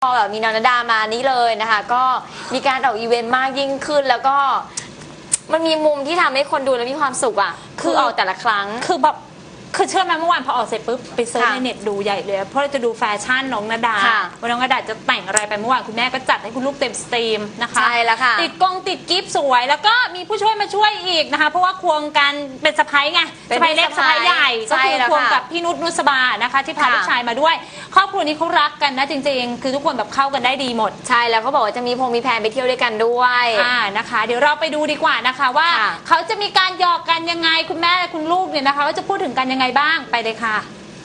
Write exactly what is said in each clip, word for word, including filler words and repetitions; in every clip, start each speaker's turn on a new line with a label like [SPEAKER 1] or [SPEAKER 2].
[SPEAKER 1] พอแบบมีนนดามานี้เลยนะคะก็มีการออกอีเวนต์มากยิ่งขึ้นแล้วก็มันมีมุมที่ทำให้คนดูแล้วมีความสุขอ่ะคือออกแต่ละครั้ง
[SPEAKER 2] คือแบบคือเชื่อไหมเมื่อวานพอออกเสร็จปุ๊บไปเซิร์ชในเน็ตดูใหญ่เลยเพราะเราจะดูแฟชั่นน้องณดาว่าน้องณดาจะแต่งอะไรไปเมื่อวานคุณแม่ก็จัดให้คุณลูกเต็มสตรีมนะคะ
[SPEAKER 1] ใช่แล้วค่ะ
[SPEAKER 2] ติดกงติดกิฟต์สวยแล้วก็มีผู้ช่วยมาช่วยอีกนะคะเพราะว่าควงกันเป็นสะพ้ายไงสะพ้ายเล็กสะพ้ายใหญ่ก็คือควงกับพี่นุชนุสบานะคะที่พาลูกชายมาด้วยครอบครัวนี้เขารักกันนะจริงๆคือทุกคนแบบเข้ากันได้ดีหมด
[SPEAKER 1] ใช่แล้วเขาบอกว่าจะมีพงมีแพนไปเที่ยวด้วยกันด้วย
[SPEAKER 2] อ่านะคะเดี๋ยวเราไปดูดีกว่านะคะว่าเขาจะมีการหยอกกันยังไงคุณแม่คุณลูกเนี่ยนะคะว่าจะพูดถึงกันยังไงบ้างไปเลยค่ะ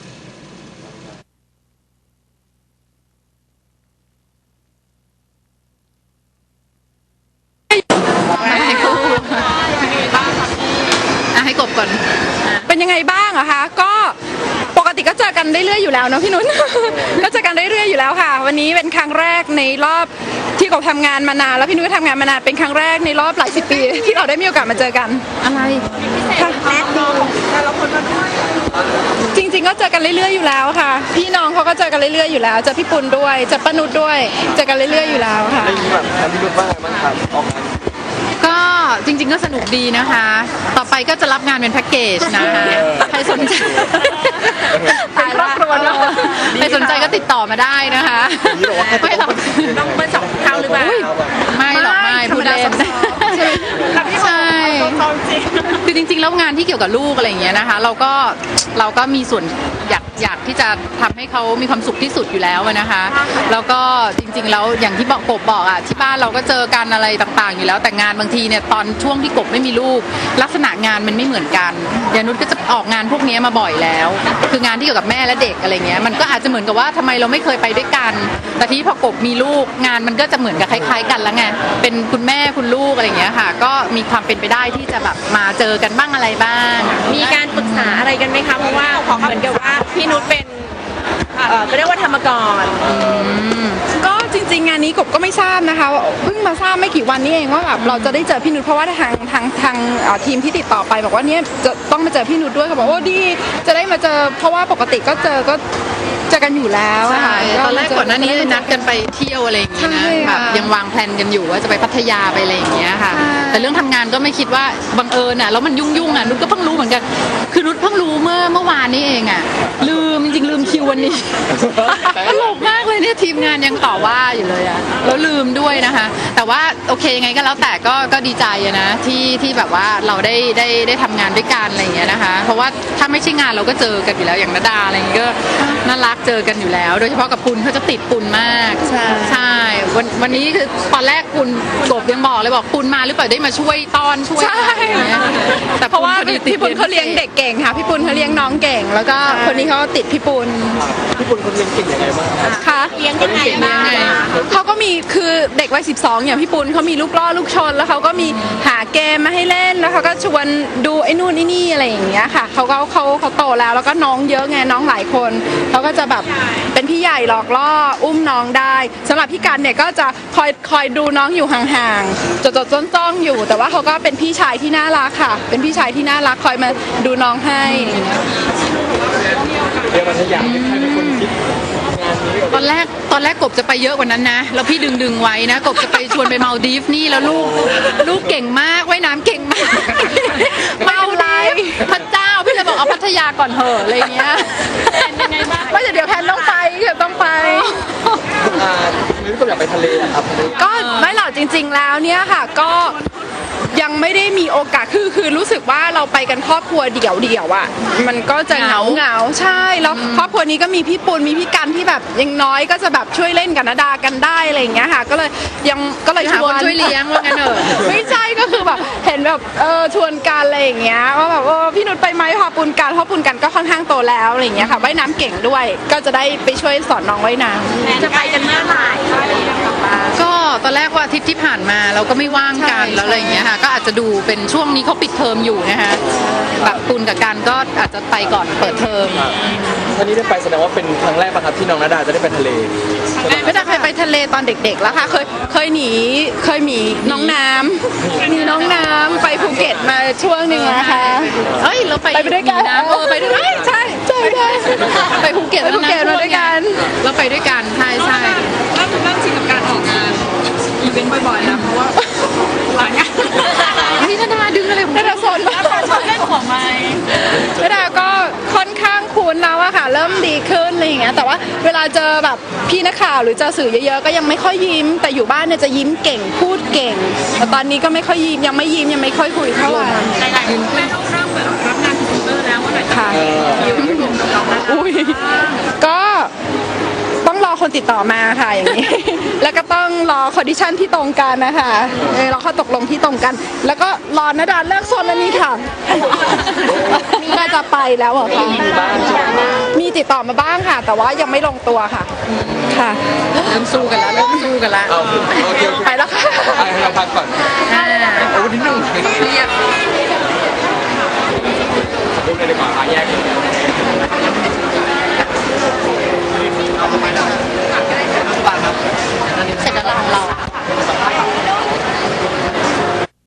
[SPEAKER 3] ให้กบก่อนเป็นยังไงบ้างอะคะก็ปกติก็เจอกันเรื่อยๆอยู่แล้วเนาะพี่นุ้น ก็เจอกันเรื่อยๆอยู่แล้วค่ะวันนี้เป็นครั้งแรกในรอบที่กบทำงานมานานแล้วพี่นุ้ยก็ทำงานมานานเป็นครั้งแรกในรอบหลายสิบปีที่เราได้มีโอกาสมาเจอกันอะไรค่ะจริงๆก็เจอกันเรื่อยๆอยู่แล้วค่ะพี่น้องเขาก็เจอกันเรื่อยๆอยู่แล้วเจอพี่ปุณด้วยเจอป้านุชด้วยเจอกันเรื่อยๆอยู่แล้วค่ะ
[SPEAKER 4] ได้ยินแบบพี่นุชว่าไงบ้างครับออกงาน
[SPEAKER 3] ก็จริงๆก็สนุกดีนะคะต่อไปก็จะรับงานเป็นแพ็กเกจนะคะใครสนใจเป็นครอบครัวเนาะใครสนใจก็ติดต่อมาได้นะคะไม่หรอก
[SPEAKER 2] ต้องเปิดสองเท่าหรือเปล่า
[SPEAKER 3] ไม่หรอกไม่พูดเล่นใช่คือจริงๆแล้วงานที่เกี่ยวกับลูกอะไรอย่างเงี้ยนะคะเราก็เราก็มีส่วนอยากอยากที่จะทำให้เขามีความสุขที่สุดอยู่แล้วนะคะแล้วก็จริงๆแล้วอย่างที่บอกกบบอกอ่ะที่บ้านเราก็เจอกันอะไรต่างๆอยู่แล้วแต่งานบางทีเนี่ยตอนช่วงที่กบไม่มีลูกลักษณะงานมันไม่เหมือนกันยานุชก็จะออกงานพวกนี้มาบ่อยแล้วคืองานที่เกี่ยวกับแม่และเด็กอะไรเงี้ยมันก็อาจจะเหมือนกับว่าทำไมเราไม่เคยไปด้วยกันแต่ที่พอกบมีลูกงานมันก็จะเหมือนกับคล้ายๆกันแล้วไงเป็นคุณแม่คุณลูกอะไรเงี้ยค่ะก็มีความเป็นไปได้ที่จะแบบมาเจอกันบ้างอะไรบ้าง
[SPEAKER 2] มีการปรึกษาอะไรกันไหมคะเพราะว่าเหมือนกับว่าพี่นุชเป็นเออก็เรียกว่าธรรมกร
[SPEAKER 3] ก็จริงๆงานนี้กบก็ไม่ทราบนะคะเพิ่งมาทราบไม่กี่วันนี้เองว่าแบบเราจะได้เจอพี่นุชเพราะว่าทางทางทางทีมที่ติดต่อไปบอกว่าเนี่ยจะต้องมาเจอพี่นุชด้วยเขาบอกว่าดีจะได้มาเจอเพราะว่าปกติก็เจอก็เจอกันอยู่แล้วค่ะตอนแรกก่อนหน้านี้นัดกันไปเที่ยวอะไรอย่างเงี้ยนะแบบยังวางแผนกันอยู่ว่าจะไปพัทยาไปอะไรอย่างเงี้ยค่ะแต่เรื่องทำงานก็ไม่คิดว่าบังเอิญอ่ะแล้วมันยุ่งๆอ่ะนุชก็เพิ่งรู้เหมือนกันคือนุชเพิ่งรู้เมื่อเมื่อวานนี้เองอ่ะลืมจริงๆลืมคิววันนี้ตลกมากเลยเนี่ยทีมงานยังต่อว่าอยู่เลยอ่ะแล้วลืมด้วยนะคะแต่ว่าโอเคยังไงก็แล้วแต่ก็ก็ดีใจนะที่ที่แบบว่าเราได้ได้ได้ทำงานด้วยกันอะไรอย่างเงี้ยนะคะเพราะว่าถ้าไม่ใช่งานเราก็เจอกันอยู่แล้วอย่างณดาอะไรอย่างเงี้ยก็น่ารักเจอกันอยู่แล้วโดยเฉพาะกับปุณเขาจะติดปุณมากใช่ใช่วันวันนี้คือตอนแรกปุณกบยังบอกเลยบอกปุณมาหรือเปล่าได้มาช่วยต้อนช่วยอะไรอย่างเงี้ยแต่เพราะว่าพี่ปุณเขาเลี้ยงเด็กเก่งค่ะพี่ปุณเขาเลี้ยงน้องเก่งแล้วก็คนนี้เขาติดพี่ปุณ
[SPEAKER 4] พี่ปุณคนเลี้ยงเก่งยังไงบ้าง
[SPEAKER 3] คะเลี้ยงยังไงบ้างเขาก็มีคือเด็กวัยสิบสองอย่างพี่ปุณเขามีลูกล่อลูกชนแล้วเขาก็มีหาเกมมาให้เล่นแล้วเขาก็ชวนดูไอ้นู่นไอ้นี่อะไรอย่างเงี้ยค่ะเขาก็เขาเขาโตแล้วแล้วก็น้องเยอะไงน้องหลายคนเขาก็จะแบบเป็นพี่ใหญ่หลอกล่ออุ้มน้องได้สำหรับพี่กันเนี่ยก็จะคอยคอยดูน้องอยู่ห่างๆจดๆจ้องๆอยู่แต่ว่าเขาก็เป็นพี่ชายที่น่ารักค่ะเป็นพี่ชายที่น่ารักคอยมาดูน้องให้
[SPEAKER 4] เรียกว่าถ้าอยากให้ใครเป็นคนคิด
[SPEAKER 3] ตอนแรกตอนแรกกบจะไปเยอะกว่านั้นนะแล้วพี่ดึงดึงไว้นะกบจะไปชวนไปมาลดีฟนี่แล้วลูกลูกเก่งมากว่ายน้ำเก่งมากมาลดีฟพระเจ้าพี่เลยบอกเอาพัทยาก่อนเหอะอะไรเงี้ย
[SPEAKER 2] ยังไงบ้าง
[SPEAKER 3] ไม่เดี๋ยวแพนต้องไปเดี๋ยวต้องไป
[SPEAKER 4] อ่านี่ก็อยากไปทะเลครับ
[SPEAKER 3] ก็ไม่หรอกจริงๆแล้วเนี่ยค่ะก็ยังไม่ได้มีโอกาสคือคือรู้สึกว่าเราไปกันครอบครัวเดี่ยวเดี่ยวอ่ะมันก็จะเหงาเหงาใช่แล้วครอบครัวนี้ก็มีพี่ปุณมีพี่กันที่แบบยังน้อยก็จะแบบช่วยเล่นกับณดากันได้อะไรอย่างเงี้ยค่ะก็เลยยังก็เลยชวนช่วยเลี้ยงว่างั้นเถอะไม่ใช่ก็คือแบบเห็นแบบเออชวนกันอะไรอย่างเงี้ยว่าแบบเออพี่นุชไปไหมพาปุณกันเพราะปุณกันก็ค่อนข้างโตแล้วอะไรอย่างเงี้ยค่ะว่ายน้ำเก่งด้วยก็จะได้ไปช่วยสอนน้องว่ายน้ำ
[SPEAKER 2] จะไปกันเมื่อไหร่
[SPEAKER 3] ก็ตอนแรกว่าอาทิตย์ที่ผ่านมาเราก็ไม่ว่างกันแล้วอะไรอย่างเงี้ยค่ะก็อาจจะดูเป็นช่วงนี้เขาปิดเทอมอยู่นะคะแบบปุณกับกันก็อาจจะไปก่อนเปิดเทอม
[SPEAKER 4] วันนี้ได้ไปแสดงว่าเป็นครั้งแรกป่ะครับที่น้องณดาจะได้ไปทะเล
[SPEAKER 3] ไม่ได้เคยไปทะเลตอนเด็กๆแล้วค่ะเคยเคยหนีเคยหนีน้องน้ำมีน้องน้ำไปภูเก็ตมาช่วงหนึ่งนะคะเฮ้ยเราไปไปด้วยกันนะเออไปด้วยใช่ใช่ใช่ไปภูเก็ตไปภูเก็ตมาด้วยกันเราไปด้วยกันใช่ใช่บ่อยๆนะเพราะว่าหลายงานพี่นาดาดึงอะไรของนาดาโซนมาก
[SPEAKER 2] ชอบเล่นหัวไม้
[SPEAKER 3] นาดาก็ค่อนข้างคุ้นแล้วอะค่ะ เริ่มดีขึ้นอะไรอย่างเงี้ยแต่ว่าเวลาเจอแบบพี่นักข่าวหรือเจอสื่อเยอะๆก็ยังไม่ค่อยยิ้ม แต่อยู่บ้านเนี่ยจะยิ้มเก่งพูดเก่งแต่ตอนนี้ก็ไม่ค่อยยิ้มยังไม่ยิ้มยังไม่ค่อยคุยเท่าไหร่
[SPEAKER 2] หลายๆคนแม่ต้องเริ่มแบบรับงานพรีเซนเตอร์แล้วว่าไหน
[SPEAKER 3] ค่ะอุ้ยก็ต้องรอคนติดต่อมาค่ะอย่างนี้ แล้วก็ต้องรอคอนดิชันที่ตรงกันนะคะเออรอข้อตกลงที่ตรงกัน แล้วก็รอนาดาเลิกโซนแล้วนี่ค่ะ น่าจะไปแล้วเหรอคะมีติดต่อมาบ้างค่ะ แต่ว่ายังไม่ลงตัวค่ะ ค่ะเริ่มสู้กันแล้วเริ่มสู้กันแล้ว
[SPEAKER 4] เอาโอเคโอเค
[SPEAKER 3] ไปแล้วค่ะ
[SPEAKER 4] ให้เราพักก่อนเอาวันที่หนึ่งเรียกรูปเลยดีกว่าแยก